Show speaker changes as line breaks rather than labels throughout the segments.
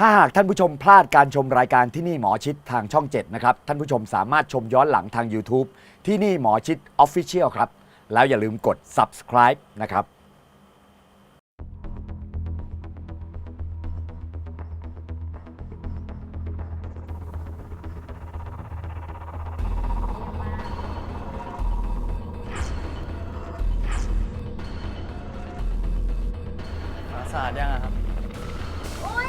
ถ้าหากท่านผู้ชมพลาดการชมรายการที่นี่หมอชิดทางช่อง 7 นะครับท่านผู้ชมสามารถชมย้อนหลังทาง YouTube ที่นี่หมอชิด Official ครับแล้วอย่าลืมกด subscribe นะครับ
สะอาดยังครับโอ้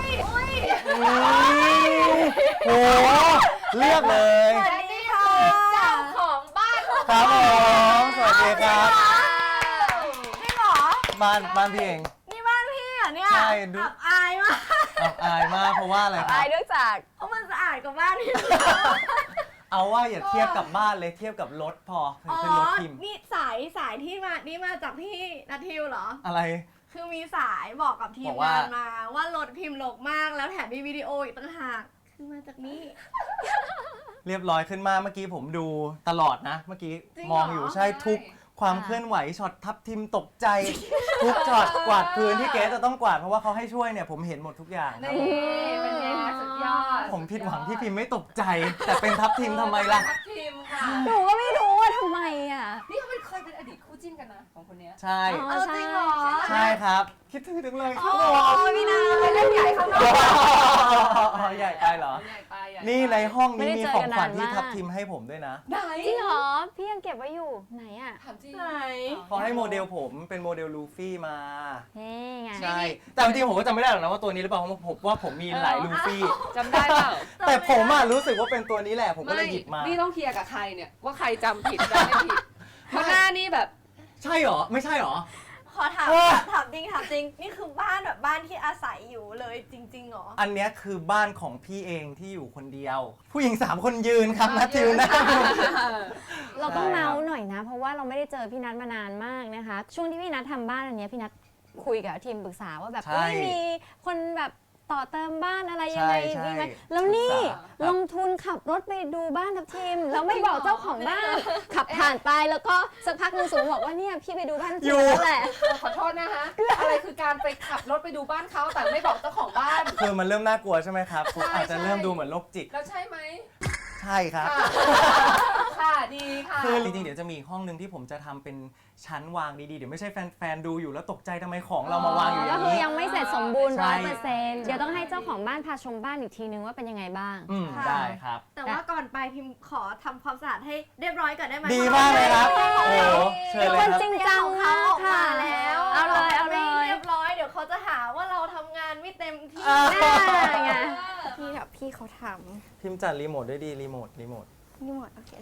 เลือกเลย
สวัสดีค่ะเจ้าของบ้าน
ครับผมสวัสดีครับ
นี่หรอ
บ้านพี่เอง
นี่บ้านพี่เหรอเนี่ย
ใช่ดู
อับอายมาก
อับอายมากเพราะว่าอะไรครับ
อายเนื่องจากเพราะมันสะอาดกว่าบ้านพี่
เอาว่าอย่าเทียบกับบ้านเลยเทียบกับรถพอคือรถพิมพ์
นี่สายที่มาจากพี่นัททิวเหรอ
อะไร
คือมีสายบอกกับทีมงานมาว่ารถพิมพ์รกมากแล้วแถมมีวิดีโออีกต่างหากคือมาจากนี่
เรียบร้อยขึ้นมาเมื่อกี้ผมดูตลอดนะเมื่อกี้มองอยู่ใช่ทุกความเคลื่อนไหวช็อตทับทิมตกใจทุกช็อตกวาดพื้นที่เกสจะต้องกวาดเพราะว่าเขาให้ช่วยเนี่ยผมเห็นหมดทุกอย่าง
นี่เป็นไงสุดยอด
ผมผิดหวังที่พิมไม่ตกใจแต่เป็นทับทิมทำไมล่ะ
ทับทิมค่ะ
หนูก็ไม่รู้ว่าทำไมอ่ะ
นี่เขาเคยเป็นอดีตคู่จิ้นกันนะของคนนี้
ใช่
จริงเหรอ
ใช่ครับคิดถึงเลย
โอ้พี่นาเล่นใหญ่ข้างนอก
ใหญ่ไปเหรอนี่ในห้องนี้มีของขวัญที่ทับทิมให้ผมด้วยนะ
ไหน
จริงเหรอพี่ยังเก็บไว้อยู่ไหนอ่ะ
ถามจริงไหน
เขาให้โมเดลผมเป็นโมเดลลูฟี่มา
นี่ไง
ใช่แต่จริงๆผมก็จำไม่ได้หรอกนะว่าตัวนี้หรือเปล่าเพราะผมว่าผมมีหลายลูฟี่
จำได้เปล่า
แต่ผมรู้สึกว่าเป็นตัวนี้แหละผมก็เลยหยิบมา
นี่ต้องเคลียร์กับใครเนี่ยว่าใครจำผิดจำไม่ผิดเพราะหน้านี่แบบ
ใช่หรอไม่ใช่หรอ
ขอถามจริงนี่คือบ้านแบบบ้านที่อาศัยอยู่เลยจริงๆหรอ
อันนี้คือบ้านของพี่เองที่อยู่คนเดียวผู้หญิง3คนยืนครับนัททิวนะ
เราต้องเมาส์หน่อยนะเพราะว่าเราไม่ได้เจอพี่นัทมานานมากนะคะช่วงที่พี่นัททำบ้านอันนี้พี่นัทคุยกับทีมปรึกษาว่าแบบมีคนแบบต่อเติมบ้านอะไรยังไงดีไหมแล้วนี่ลงทุนขับรถไปดูบ้านทับทิมแล้วไม่บอกเจ้าของบ้านขับผ่านไปแล้วก็สักพักนึงสูงบอกว่าเนี่ยพี่ไปดูบ้านทิมแล้วแหละ
ขอโทษนะคะอะไรคือการไปขับรถไปดูบ้านเขาแต่ไม่บอกเจ้าของบ้าน
คือมันเริ่มน่ากลัวใช่ไหมครับคุณอาจจะเริ่มดูเหมือนโรคจิต
แล้วใช่ไหม
ใช่ครับ
ค่ะดีค่ะ
คือจริงๆเดี๋ยวจะมีห้องนึงที่ผมจะทำเป็นชั้นวางดีๆเดี๋ยวไม่ใช่แฟนๆดูอยู่แล้วตกใจทำไมของเรามาวางอยู่อย่างนี้
ก็คือยังไม่เสร็จสมบูรณ์ 100% เดี๋ยวต้องให้เจ้าของบ้านพาชมบ้านอีกทีนึงว่าเป็นยังไงบ้าง
ได้ครับ
แต่ว่าก่อนไปพิมขอทำความสะอาดให้เรียบร้อยก่อนได้ไหม
ดีมากเลยครับโอ้เชิญเลยครับ
จริงจัง
มากค่ะแล้ว
เอาเลย
เรียบร้อยเดี๋ยวเขาจะหาว่าเราทำงานไม่เต็มที่
ไง
พี่เขาท
ำพิมจัดรีโมทด้วยดีรีโมท
โอเค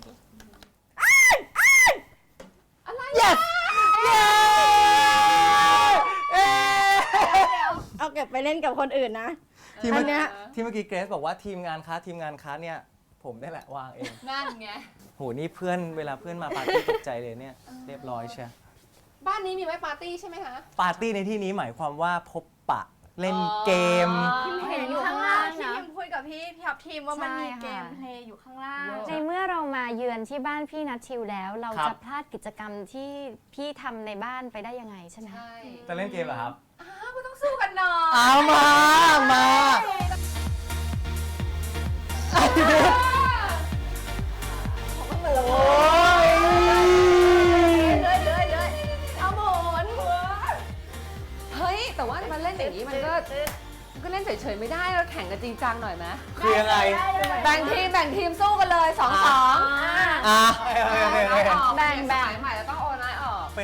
อะไร yes
เอาเก็บไปเล่นกับคนอื่นนะ
ที่เมื่อกี้เกรซบอกว่าทีมงานค้าเนี่ยผมได้แหละวางเอง
นั่นไง
โหนี่เพื่อนเวลาเพื่อนมาปาร์ตี้ตกใจเลยเนี่ยเรียบร้อยใช่
บ้านนี้มีไว้ปาร์ตี้ใช่ไหมคะ
ปาร์ตี้ในที่นี้หมายความว่าพบปะเล่นเกม
พิมเห็นอยู่ข้างล่างที่พิมคุยกับพี่ทับทีมว่ามันมีเกมเพลย์อยู่ข้างล่าง
ในเมื่อเรามาเยือนที่บ้านพี่นัททิวแล้วเราจะพลาดกิจกรรมที่พี่ทำในบ้านไปได้ยังไงใช่ไหม
จะเล่นเกมเหรอครับ
ก็ต้องสู้กันหน่อย
เอามาโอ้ย
เอาหมอนเฮ้ยแต่ว่ามันเล่นอย่างนี้มันก็เล่นเฉยๆไม่ได้เราแข่งกันจริงจังหน่อยไหม
คือยังไง
แบ่งทีมสู้กันเลย2-2แบ่งใหม่แล้วต้องโอนไลน์ออก
เป็น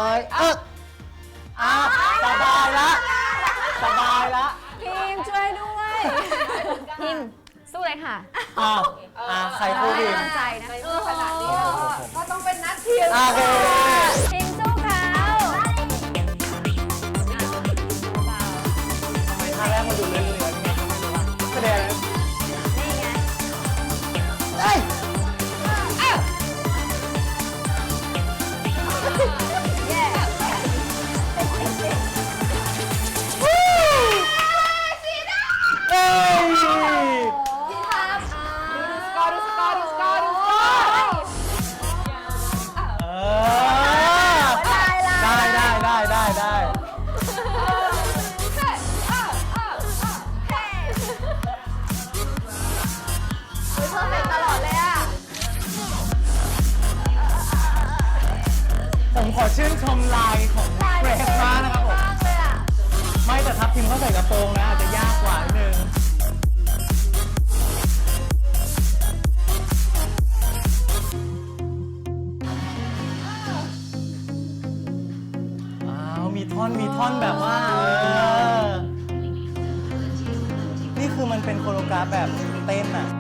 สบายละ
ทีมช่วยด้วยทีมสู้เลยค่ะ
ใครพูดดี
ใจนะ
ขนาดนี้ก็ต้องเป็นนัดทีม
ทีมสู้เขา
ท่าแรกมาดูเรื่อยๆแสดง
นี่ไง
ได้คือมันเป็นโคโรกราฟแบบเต้นอ่ะ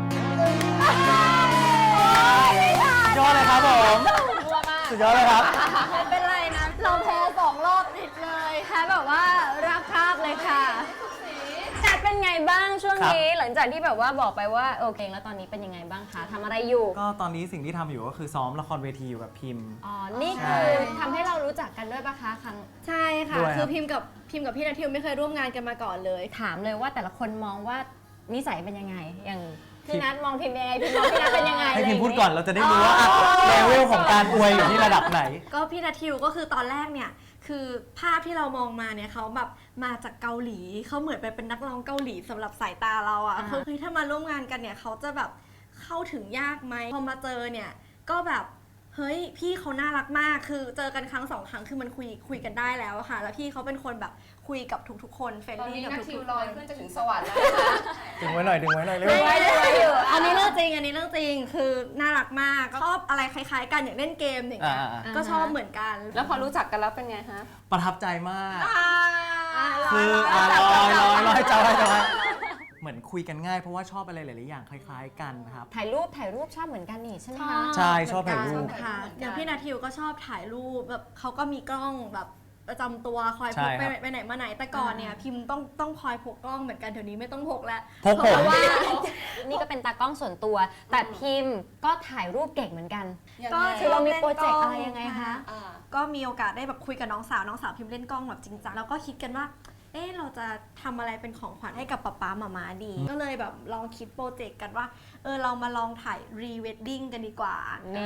สุดยอดเลยครับผมสุดยอดเลยครับ
ไม่เป็นไรนะ เราแพ้2 รอบติดเลยแพ้แบบว่าราบคาบเลยค่ะแต่เป็นไงบ้างช่วงนี้หลังจากที่แบบว่าบอกไปว่าโอเคแล้วตอนนี้เป็นยังไงบ้างคะทำอะไรอยู่
ก็ตอนนี้สิ่งที่ทำอยู่ก็คือซ้อมละครเวทีอยู่กับพิมพ์
อ๋อ นี่คือทำให้เรารู้จักกันด้วยปะคะครั้ง
ใช่ค่ะ
ด้วยครับ
คือพิมพ์กับพี่นัททิวไม่เคยร่วมงานกันมาก่อนเลย
ถามเลยว่าแต่ละคนมองว่านิสัยเป็นยังไง อย่างพี่นัทมองพิมพ์ยังไงพิมพ์มองพี่นัทเป็นยังไง
ให้พิมพ์พูด
ะไร
ก่
ย่
อง นเราจะได้รู้ว่าเลเวลของการอวยอยู่ที่ระดับไหน
ก็พี่นัททิวก็คือตอนแรกเนี่ยคือภาพที่เรามองมาเนี่ยเขาแบบมาจากเกาหลีเขาเหมือนเป็นนักร้องเกาหลีสำหรับสายตาเราอะคือเฮ้ยถ้ามาร่วมงานกันเนี่ยเขาจะแบบเข้าถึงยากไหมพอมาเจอเนี่ยก็แบบเฮ้ยพี่เขาน่ารักมากคือเจอกันครั้ง2 ครั้งคือมันคุยกันได้แล้วอะค่ะ แล้วพี่เขาเป็นคนแบบคุยกับทุกๆคนเฟรน
ตอน
ลี่
นี้
กับ
นักทิ
ทุ
ว
กๆ
ล
ค
อย
น
ขึ้นจะถึงสวรรค์แล้วนะคะ
ดึงไว้หน่อยเร็ว
อันนี้เรื่องจริงคือน่ารักมากชอบอะไรคล้ายๆกันอย่างเล่นเกมอย่างเงี้ย ก็ชอบเหมือนกัน
แล้วพอรู้จักกันแล้วเป็นไงฮะ
ประทับใจมาก
คื
คือ ลอยจอยเหมือนคุยกันง่ายเพราะว่าชอบอะไรหลายๆอย่างคล้ายๆกันครับ
ถ่ายรูปชอบเหมือนกันนี่ใช่ไหมคะ
ใช่ชอบถ่ายรูป
ค่ะอย่างพี่นาทิวก็ชอบถ่ายรูปแบบเขาก็มีกล้องแบบประจำตัวคอยพก
ใช่ครับ
ไปไหนมาไหนแต่ก่อนเนี่ยพิมพ์ต้องคอยพกกล้องเหมือนกันเดี๋ยวนี้ไม่ต้องพกแล้ว
พกผม
เพราะว่า
นี่ก็เป็นตากล้องส่วนตัว แต่พิมพ์ก็ถ่ายรูปเก่งเหมือนกัน
ยัง
ก็
ไง
คือเรามีโปรเจกต์อะไรยังไงคะ
อ่า
ก็มีโอกาสได้แบบคุยกับน้องสาวพิมพ์เล่นกล้องแบบจริงจังแล้วก็คิดกันว่าเราจะทำอะไรเป็นของขวัญให้กับป๊าป๊าหม่าดี ก็เลยแบบลองคิดโปรเจกต์กันว่าเรามาลองถ่ายรีเวดดิ้งกันดีกว่า
นี่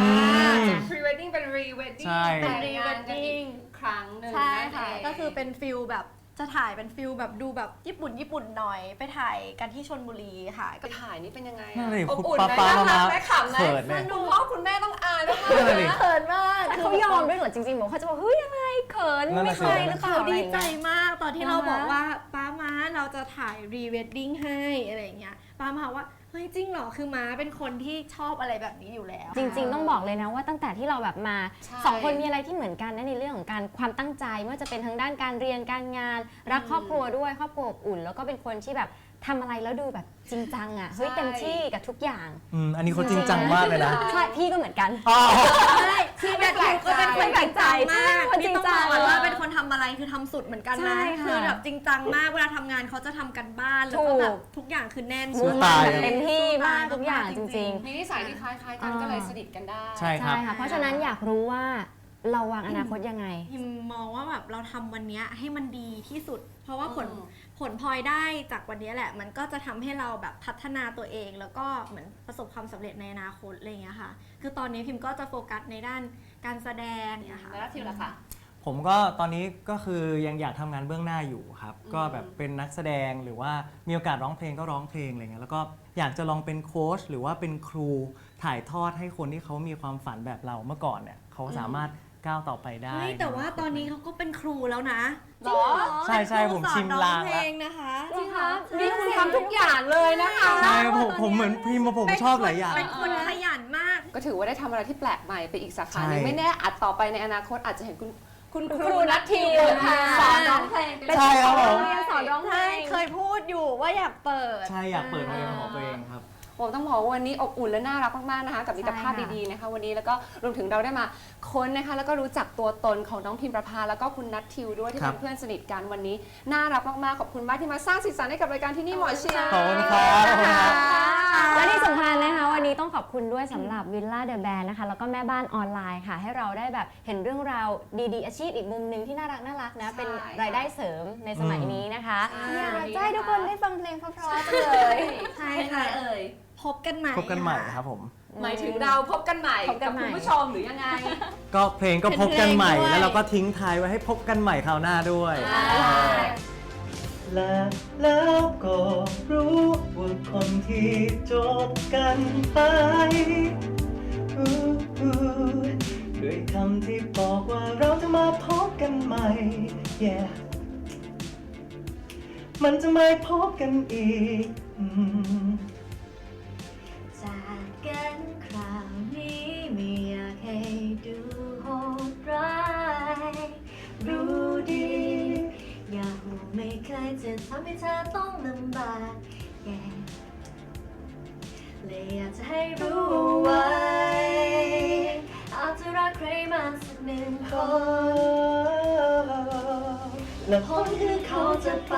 pre wedding เป็น re wedding
ใช่
แต่งงานกันอีกครั้งหนึ่ง
ใช่
นั่น
ค่ะ
เอง
ก็คือเป็นฟิลแบบจะถ่ายเป็นฟิลแบบดูแบบญี่ปุ่นหน่อยไปถ่ายกันที่ชลบุรีค่ะ
ไปถ่ายนี่เป็นยังไง
นั่
อะ
นเลย
อบอุ่น
ป๊า
ไหม
ป๊า
น่ารัก
มา
ไหมขำไหม
เขินไหม
คุณพ่อคุณแม่ต้องอายด้วย
นั่นน่ะดิ
เขินมาก
แต่เขายอมด้วยเหรอจริงๆบอกเขาจะบอกเฮ้ยยังไงเขิน
นั่น
ไม่
น่ะสิ
เคยหรือเปล่า
เขา
อะไร
ดี
อย่าง
ใจ
เงี้ย
มากตอนที่เรา
อ่าฮะ
บอกว่าป้าม้าเราจะถ่ายรีเวดดิ้งให้อะไรอย่างเงี้ยป้ามาว่าเฮ้ยจริงเหรอคือม้าเป็นคนที่ชอบอะไรแบบนี้อยู่แล้ว
จริงๆ ต้องบอกเลยนะว่าตั้งแต่ที่เราแบบมาสองคนมีอะไรที่เหมือนกันนะในเรื่องของการความตั้งใจไม่ว่าจะเป็นทางด้านการเรียนการงานรักครอบครัวด้วยครอบครัวอบอุ่น แล้วก็เป็นคนที่แบบทำอะไรแล้วดูแบบจริงจังอ่ะเฮ้ยเต็มที่กับทุกอย่าง
อันนี้เขาจริงจังมากเลยนะ
ใช่พี่ก็เหมือนกัน
ใช่ที่แบบก็เป็นคนจริงจังมาก
คนจริงจัง
ที่ต้องบอกว่าเป็นคนทำอะไรคือทำสุดเหมือนกัน
ใช่
นะ
ค่ะ
คือแบบจริงจังมากเวลาทำงานเขาจะทำกันบ้านแล้วก็แบบทุกอย่างคือแน่น
มุ่ง
ตา
มั่น
ย
แบบเต็มที่มากทุกอย่างจริง
มีนิสัยที่คล้ายๆกันก็เลยสนิทกันได้
ใช่
ๆ
ครั
ใช่
บ
ค่ะเพราะฉะนั้นอยากรู้ว่าเราวางอนาคตยังไง
พิมมองว่าแบบเราทำวันเนี้ยให้มันดีที่สุด เพราะว่าผล
อืม
ผลพลอยได้จากวันเนี้ยแหละ มันก็จะทำให้เราแบบพัฒนาตัวเอง แล้วก็เหมือนประสบความสำเร็จในอนาคตอะไรอย่างเงี้ยค่ะ คือตอนนี้พิมก็จะโฟกัสในด้านการแสดงเนี่ยค่ะ
แล้วทิวล่ะคะ
ผมก็ตอนนี้ก็คือยังอยากทำงานเบื้องหน้าอยู่ครับ ก็แบบเป็นนักแสดงหรือว่ามีโอกาสร้องเพลงก็ร้องเพลงอะไรเงี้ยแล้วก็อยากจะลองเป็นโค้ชหรือว่าเป็นครูถ่ายทอดให้คนที่เขามีความฝันแบบเราเมื่อก่อนเนี่ยเขาสามารถก้าวต่อไปได้
เฮ้ยแต่ว่าตอนนี้เขาก็เป็นครูแล้วนะ
หรอ
ใช่ๆผมชิมลาง
เพ
แล้
ล
ว
งนะคะ
จริงคะนี่คุณทำทุกอย่างเลยนะคะ
ใช่ผมเหมือนพิมพ์มาผมชอบหลายอย่าง
เป็นคนขยันมาก
ก็ถือว่าได้ทำอะไรที่แปลกใหม่ไปอีกสาขาหนึ่ง
ใช่
ไม่แน่อาจต่อไปในอนาคตอาจจะเห็นคุณครูนัททิวค่ะสอนร้องเพลง
ใช่ครับผม
เรียนสอนร้องเพล
ใช่
ง
เคยพูดอยู่ว่าอยากเปิด
ใช่อยากเปิดโรงเรียนเป็นของตัวเองครับ
ผมต้องบอกว่าวันนี้อบอุ่นและน่ารักมากๆนะคะ กับมิตรภาพ
ใช่ค่ะ
ดีๆนะคะ วันนี้แล้วก็รวมถึงเราได้มาค้นนะคะ แล้วก็รู้จักตัวตนของน้องพิมประภาแล้วก็คุณนัททิวด้วยที่
ครั
เป็
บ
นเพื่อนสนิทกันวันนี้น่ารักมากๆขอบคุณมากที่มาสร้างสีสันให้กับรายการที่นี่หมอเชียร์
ขอบคุณครับขอบคุณครับ
และที่สำคัญนะคะวันนี้ต้องขอบคุณด้วยสำหรับวิลล่าเดอะแบนนะคะแล้วก็แม่บ้านออนไลน์ค่ะ ให้เราได้แบบเห็นเรื่องราวดีๆ อาชีพอีกมุมหนึ่งที่น่ารักนะเป็นรายได้เสริมในสมัยนี้นะคะ
ใช่
อยากจะให้ทุกคนได้ฟังเพลงเพราะๆจังเลย
ใช่ค่ะ
เอ่ย
พบกันใหม่
พบกันใหม่ครับผม
หมายถึงเราพบกันใหม่
พบกั
กับ
นใหม่
คุณผู้ชมหรือยังไง
ก็เพลงก็พบกันใหม่
เป็นเพลงด้วย
แล้วเราก็ทิ้งท้ายไว้ให้พบกันใหม่คราวหน้าด้วย และแล้วก็รู้ว่าคนที่จบกันไปด้วยคำที่บอกว่าเราจะมาพบกันใหม่ yeah มันจะไม่พบกันอีก
จากกันคราวนี้ไม่อยากให้ดูโหดร้ายรู้ดี อยากรู้ไม่เคยจะทำให้เธอต้องลำบากแก่เลยอยากจะให้รู้ไว้ อาจจะรักใครมาสักหนึ่งคน และผลคือเขาจะไป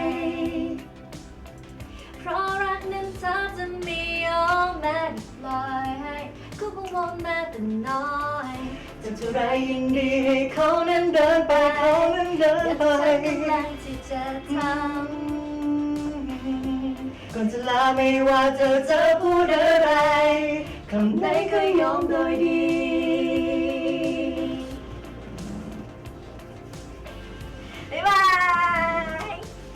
เพราะรักนั้นเธอจะไม่ยอมแม้แต่ปล่อยให้กูกังวลแม้แต่น้อยจะเท่าไรยิ่งดีให้เขานั้นเดินไปเขานั้นเดินไปอยากจะกำลังที่จะทำก่อนจะลาไม่ว่าเธอจะพูดอะไรคำไหนก็ยอมโดยดีบ๊ายบาย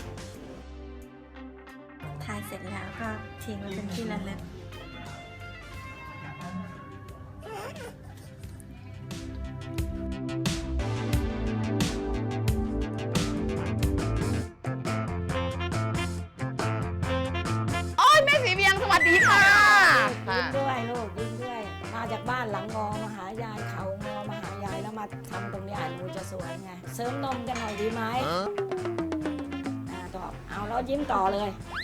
ถ่ายเสร็จแล้วก็ทิ้งไว้เป็นที่ระลึก
แม่สีเวียงสวัสดีค่ะ
ยิ้มด้วยลูกยิ้มด้วย มาจากบ้านหลังงอมาหายายเขางอมาหายายแล้วมาทำตรงเนี้ยหนูจะสวยไงเสริมนมกันหน่อยดีไหมตอบเอาแล้วยิ้มต่อเลย